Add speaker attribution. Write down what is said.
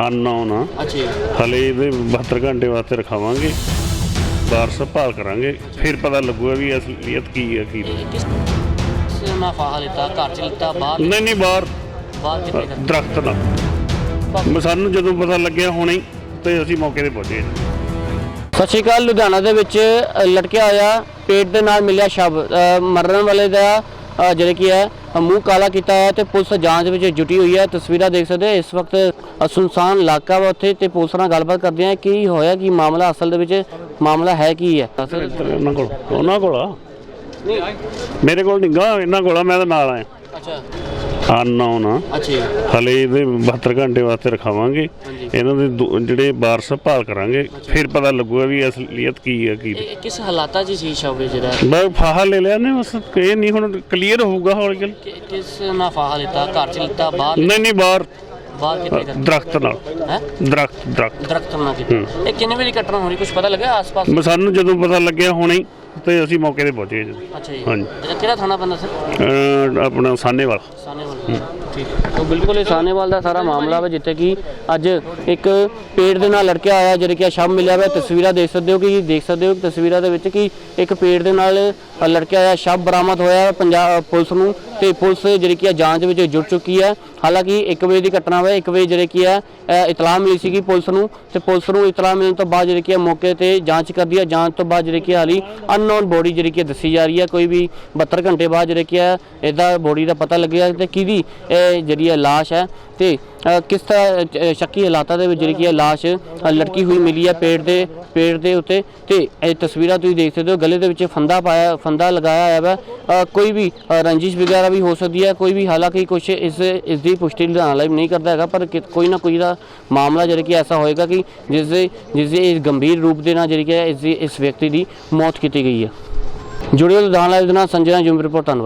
Speaker 1: Unknown ਆ।
Speaker 2: ਅੱਛਾ ਜੀ।
Speaker 1: ਹਲੇ ਇਹਦੇ 72 ਘੰਟੇ ਵਾਸਤੇ ਰਖਾਵਾਂਗੇ, ਵਾਰਸ ਭਾਲ ਕਰਾਂਗੇ, ਫਿਰ ਪਤਾ ਲੱਗੂਗਾ ਵੀ ਅਸਲੀਅਤ ਕੀ ਹੈ ਕੀ ਨਹੀਂ।
Speaker 2: ਕਿਸ ਮੈਂ ਫਾਹਾ ਲਿੱਤਾ, ਘਰ ਚ ਲਿੱਤਾ, ਬਾਹਰ
Speaker 1: ਨਹੀਂ ਬਾਹਰ
Speaker 2: ਕਿੱਥੇ ਕਰ
Speaker 1: ਦਰਖਤ ਨਾਲ। ਸਾਨੂੰ ਜਦੋਂ ਪਤਾ ਲੱਗਿਆ ਹੁਣੇ ਹੀ ਤੇ ਅਸੀਂ ਮੌਕੇ ਤੇ ਪਹੁੰਚੇ।
Speaker 2: ਸਤਿ ਸ਼੍ਰੀ ਅਕਾਲ। ਲੁਧਿਆਣਾ ਦੇ ਵਿੱਚ ਲਟਕਿਆ ਹੋਇਆ ਪੇਟ ਦੇ ਨਾਲ ਮਿਲਿਆ ਸ਼ਵ, ਮਰਨ ਵਾਲੇ ਦਾ ਜਿਹੜਾ ਕੀ ਹੈ ਮੂੰਹ ਕਾਲਾ ਕੀਤਾ ਹੈ ਤੇ ਪੁਲਿਸ ਜਾਂਚ ਵਿੱਚ ਜੁਟੀ ਹੋਈ ਹੈ। ਤਸਵੀਰਾਂ ਦੇਖ ਸਕਦੇ ਇਸ ਵਕਤ ਸੁਨਸਾਨ ਇਲਾਕਾ ਵਾ ਉੱਥੇ, ਤੇ ਪੁਲਿਸ ਨਾਲ ਗੱਲਬਾਤ ਕਰਦੇ ਆ ਕੀ ਹੋਇਆ, ਕੀ ਮਾਮਲਾ ਅਸਲ ਦੇ ਵਿੱਚ ਮਾਮਲਾ ਹੈ ਕੀ ਹੈ।
Speaker 1: ਉਹਨਾਂ ਕੋਲ ਆ, ਮੇਰੇ ਕੋਲ ਨਹੀਂ ਗਾ, ਇਹਨਾਂ ਕੋਲ ਆ, ਮੈਂ ਤਾਂ ਨਾਲ ਆਇਆ।
Speaker 2: ਅੱਛਾ
Speaker 1: ਅਨਨੋਨ ਆ।
Speaker 2: ਅੱਛਾ
Speaker 1: ਹਲੇ ਇਹਦੇ 72 ਘੰਟੇ ਵਾਸਤੇ ਰਖਾਵਾਂਗੇ, ਇਹਨਾਂ ਦੇ ਜਿਹੜੇ ਵਾਰਸ ਭਾਲ ਕਰਾਂਗੇ, ਫਿਰ ਪਤਾ ਲੱਗੂਗਾ ਵੀ ਅਸਲੀਅਤ ਕੀ ਹੈ ਕੀ ਨਹੀਂ।
Speaker 2: ਕਿਸ ਹਾਲਾਤਾਂ 'ਚ ਸੀ ਸ਼ਵ ਜਿਹੜਾ?
Speaker 1: ਬਸ ਫਾਹਾ ਲੈ ਲਿਆ ਨੇ, ਬਸ ਇਹ ਨਹੀਂ ਹੁਣ ਕਲੀਅਰ ਹੋਊਗਾ ਹੌਲੀ ਗੱਲ।
Speaker 2: ਕਿਸ ਨਾਲ ਫਾਹਾ ਲਿੱਤਾ, ਘਰ ਚ ਲਿੱਤਾ, ਬਾਹਰ
Speaker 1: ਨਹੀਂ ਬਾਹਰ
Speaker 2: ਕਿੱਥੇ ਕਰ
Speaker 1: ਦਰਖਤ ਨਾਲ।
Speaker 2: ਹੈ ਦਰਖਤ ਨਾਲ ਕਿੱਥੇ? ਇਹ ਕਿੰਨੇ ਵਜੇ ਘਟਨਾ ਹੋ ਰਹੀ, ਕੁਝ ਪਤਾ ਲੱਗਿਆ ਆਸ-ਪਾਸ?
Speaker 1: ਸਾਨੂੰ ਜਦੋਂ ਪਤਾ ਲੱਗਿਆ ਹੁਣੇ ਹੀ ਤੇ ਅਸੀਂ ਮੌਕੇ ਤੇ ਪਹੁੰਚੇ ਜੀ।
Speaker 2: ਅੱਛਾ ਜੀ।
Speaker 1: ਹਾਂਜੀ।
Speaker 2: ਕਿਹੜਾ ਥਾਣਾ ਪੈਂਦਾ ਸਰ?
Speaker 1: ਆਪਣਾ ਸਾਹਨੇਵਾਲ।
Speaker 2: ਠੀਕ। ਤਾਂ ਬਿਲਕੁਲ ਇਹ ਸਾਹਨੇਵਾਲ ਦਾ ਸਾਰਾ ਮਾਮਲਾ ਵਾ, ਜਿੱਥੇ ਕਿ ਅੱਜ ਇੱਕ ਪੇੜ ਦੇ ਨਾਲ ਲੜਕਿਆ ਆਇਆ ਜਿਹੜਾ ਕਿ ਸ਼ਵ ਮਿਲਿਆ ਹੋਇਆ। ਤਸਵੀਰਾਂ ਦੇਖ ਸਕਦੇ ਹੋ ਤਸਵੀਰਾਂ ਦੇ ਵਿੱਚ ਕਿ ਇੱਕ ਪੇੜ ਦੇ ਨਾਲ ਲੜਕਿਆ ਆਇਆ ਸ਼ਵ ਬਰਾਮਦ ਹੋਇਆ ਪੰਜਾਬ ਪੁਲਿਸ ਨੂੰ, ਤੇ ਪੁਲਿਸ ਜਿਹੜੀ ਕਿ ਜਾਂਚ ਵਿੱਚ ਜੁੜ ਚੁੱਕੀ ਹੈ। ਹਾਲਾਂਕਿ 1 ਵਜੇ ਦੀ ਘਟਨਾ ਵਾ, 1 ਵਜੇ ਜਿਹੜੇ ਕੀ ਹੈ ਇਤਲਾਹ ਮਿਲੀ ਸੀਗੀ ਪੁਲਿਸ ਨੂੰ, ਤੇ ਪੁਲਿਸ ਨੂੰ ਇਤਲਾਹ ਮਿਲਣ ਤੋਂ ਬਾਅਦ ਜਿਹੜੀ ਕਿ ਮੌਕੇ ਤੇ ਜਾਂਚ ਕਰਦੀ ਹੈ। ਜਾਂਚ ਤੋਂ ਬਾਅਦ ਜਿਹੜੀ ਕਿ ਹਾਲੀ ਅਨਨੋਨ ਬੋਡੀ ਜਿਹੜੀ ਕਿ ਦੱਸੀ ਜਾ ਰਹੀ ਹੈ। ਕੋਈ ਵੀ 72 ਘੰਟੇ ਬਾਅਦ ਜਿਹੜੇ ਕਿ ਹੈ ਇਹਦਾ ਬੋਡੀ ਦਾ ਪਤਾ ਲੱਗਿਆ ਤੇ ਕਿਹਦੀ ਜਿਹੜੀ ਹੈ ਲਾਸ਼ ਹੈ, ਤੇ ਕਿਸ ਤਰ੍ਹਾਂ ਸ਼ੱਕੀ ਹਾਲਾਤਾਂ ਦੇ ਵਿੱਚ ਜਿਹੜੀ ਕਿ ਲਾਸ਼ ਲਟਕੀ ਹੋਈ ਮਿਲੀ ਹੈ ਪੇੜ ਦੇ ਉੱਤੇ। ਤੇ ਇਹ ਤਸਵੀਰਾਂ ਤੁਸੀਂ ਦੇਖ ਸਕਦੇ ਹੋ, ਗਲੇ ਦੇ ਵਿੱਚ ਫੰਦਾ ਲਗਾਇਆ ਹੋਇਆ ਵਾ। ਕੋਈ ਵੀ ਰੰਜਿਸ਼ ਵਗੈਰਾ ਵੀ ਹੋ ਸਕਦੀ ਹੈ, ਕੋਈ ਵੀ। ਹਾਲਾਂਕਿ ਕੁਛ ਇਸ ਦੀ ਪੁਸ਼ਟੀ ਲੁਧਿਆਣਾ ਲਾਈਵ ਨਹੀਂ ਕਰਦਾ ਹੈਗਾ, ਪਰ ਕੋਈ ਨਾ ਕੋਈ ਦਾ ਮਾਮਲਾ ਜਿਹੜਾ ਕਿ ਐਸਾ ਹੋਏਗਾ ਕਿ ਜਿਸ ਦੇ ਗੰਭੀਰ ਰੂਪ ਦੇ ਨਾਲ ਜਿਹੜੀ ਕਿ ਇਸ ਵਿਅਕਤੀ ਦੀ ਮੌਤ ਕੀਤੀ ਗਈ ਹੈ। ਜੁੜਿਓ ਲੁਧਿਆਣਾ ਲਾਈਵ ਦੇ ਨਾਲ ਸੰਜੇ ਨਾਲ ਜੁਮ ਰਿਪੋਰਟ। ਧੰਨਵਾਦ।